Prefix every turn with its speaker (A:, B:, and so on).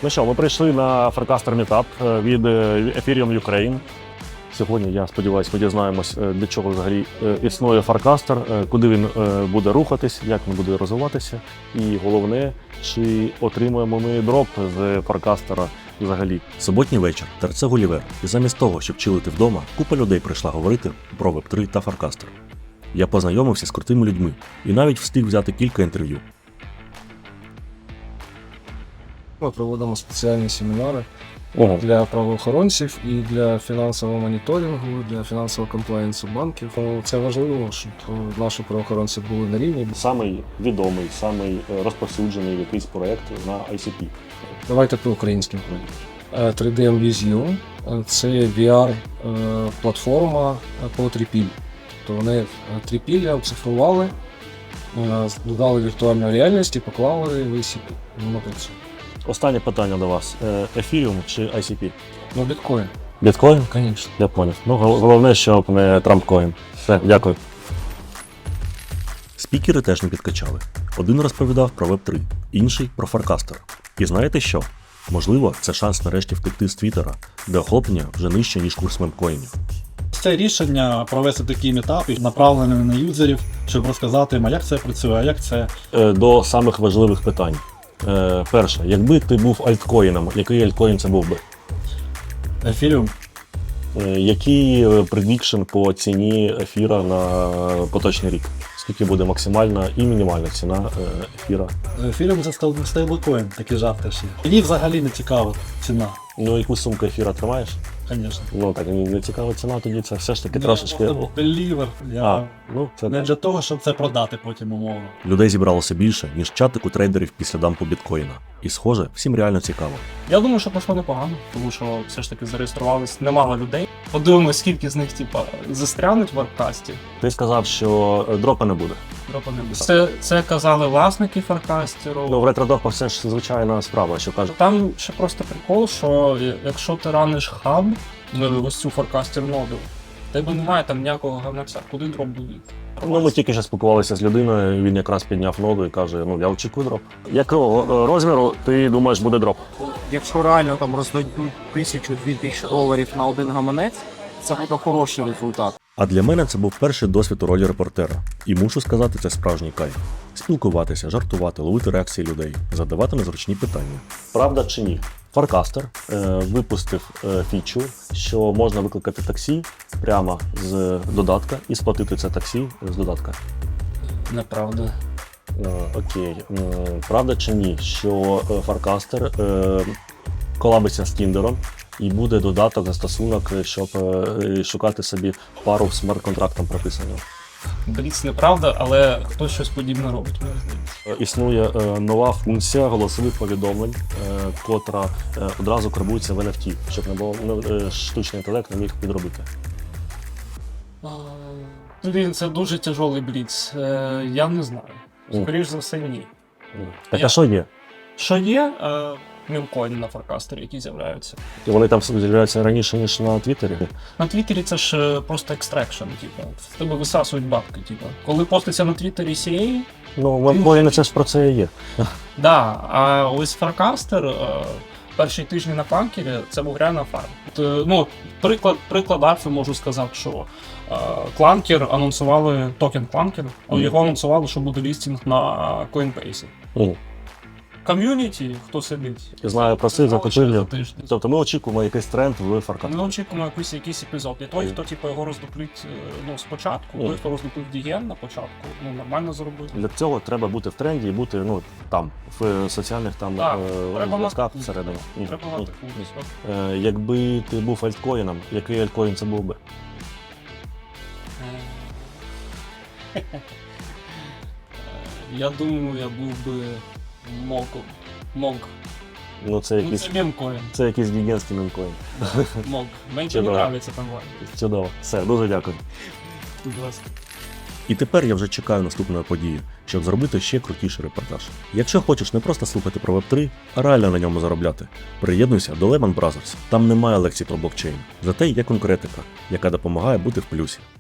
A: Ну що, ми прийшли на Farcaster Meetup від Ethereum Ukraine. Сьогодні, я сподіваюся, ми дізнаємось, для чого взагалі існує Farcaster, куди він буде рухатись, як він буде розвиватися. І головне, чи отримуємо ми дроп з Farcaster взагалі.
B: Суботній вечір, терце Гулівер, і замість того, щоб чилити вдома, купа людей прийшла говорити про Web3 та Farcaster. Я познайомився з крутими людьми і навіть встиг взяти кілька інтерв'ю.
C: Ми проводимо спеціальні семінари для правоохоронців і для фінансового моніторингу, для фінансового комплаєнсу банків. Це важливо, щоб наші правоохоронці були на рівні.
A: Самий відомий, самий розповсюджений якийсь проєкт на ICP.
C: Давайте по українським проєктам. 3D Museum – це VR-платформа по трипіллю. Тобто вони трипілля оцифрували, додали віртуальну реальність і поклали в ICP. Воно працює.
A: Останнє питання до вас. Ethereum чи ICP?
C: Ну, біткоін.
A: Біткоін?
C: Звісно.
A: Я поняв. Ну, головне, щоб не Трампкоін. Все, дякую.
B: Спікери теж не підкачали. Один розповідав про Web3, інший про Farcaster. І знаєте що? Можливо, це шанс нарешті втекти з Твіттера, де охоплення вже нижче, ніж курс мемкоїнів.
D: Це рішення провести такі мітапи, направлені на юзерів, щоб розказати, як це працює, а як це.
A: До самих важливих питань. Перше, якби ти був альткоїном, який альткоін це був би?
D: Ефіріум.
A: Який предікшн по ціні ефіра на поточний рік? Скільки буде максимальна і мінімальна ціна ефіра?
D: Ефіріум це стейблкоін, такі жарти всі. Мені взагалі не цікава ціна.
A: Ну, яку сумку ефіра тримаєш?
D: Звісно.
A: Ну, так, не цікава ціна, тоді це все ж таки трошечки...
D: Делівер.
A: Ну, це...
D: Не для того, щоб це продати потім умовно.
B: Людей зібралося більше, ніж чатик у трейдерів після дампу біткоїна. І схоже, всім реально цікаво.
E: Я думаю, що пройшло непогано, тому що все ж таки зареєструвалось немало людей. Подивимось, скільки з них застрянуть в вебкасті.
A: Ти сказав, що дропа не буде.
E: Дропа не буде. Це казали власники Farcaster.
A: Ну, в ретро-допах це ж звичайна справа, що кажуть.
E: Там ще просто прикол, що якщо ти раниш хаб, ось цю Farcaster ноду, в тебе немає там ніякого гавнаця, куди дроп буде.
A: Ну, ми тільки що спілкувалися з людиною, він якраз підняв ноду і каже, ну, я очікую дроп. Якого розміру ти думаєш буде дроп?
F: Якщо реально там роздадуть $1000-2000 на один гаманець, це буде хороший результат.
B: А для мене це був перший досвід у ролі репортера. І мушу сказати, це справжній кайф. Спілкуватися, жартувати, ловити реакції людей, задавати незручні питання.
A: Правда чи ні? Farcaster випустив фічу, що можна викликати таксі прямо з додатка і сплатити це таксі з додатка.
E: Неправда.
A: Окей. Правда чи ні, що Farcaster колабиться з Тіндером і буде додаток, застосунок, щоб шукати собі пару з смарт-контрактом прописаним?
E: Бліц неправда, але хтось щось подібне робить, мені здається.
A: Існує нова функція голосових повідомлень, котра одразу карбується в NFT, щоб не було штучний інтелект не міг підробити.
E: Блін, це дуже тяжелий бліц. Я не знаю. Скоріше за все, ні.
A: Так, а що є?
E: Що є? Мемкоїни на Farcaster, які з'являються.
A: І вони там з'являються раніше, ніж на Твіттері?
E: На Твіттері це ж просто екстракшн, в тебе висасують бабки, Коли поститься на Твіттері CA,
A: Ну, мемкоїни це ж про це і є.
E: да, а ось Farcaster перші тижні на Кланкері це був реально фарм. Ну, приклад Альфи можу сказати, що Кланкер анонсували, токен Кланкер, його анонсували, що буде лістинг на Coinbase. Ком'юніті, хто сидить.
A: Я знаю про це, захопили.
E: Тиждень.
A: Тобто ми очікуємо якийсь тренд в Farcaster.
E: Ми очікуємо якийсь епізод. І той, хто його роздуплить спочатку, той, хто роздуплив Діген на початку, нормально зробив.
A: Для цього треба бути в тренді і бути там, в соціальних зв'язках всередині.
E: Треба мати функцію.
A: Якби ти був альткоїном, який альткоін це був би?
E: Я думаю, я був би Монк.
A: Ну, це якийсь...
E: Це мемкоін.
A: Це якийсь гігантський мемкоін.
E: Монк. Мені не подобається там.
A: Чудово. Все, дуже дякую.
E: Будь ласка.
B: І тепер я вже чекаю наступної події, щоб зробити ще крутіший репортаж. Якщо хочеш не просто слухати про Web3, а реально на ньому заробляти, приєднуйся до Lehman Brothers. Там немає лекцій про блокчейн, зате є конкретика, яка допомагає бути в плюсі.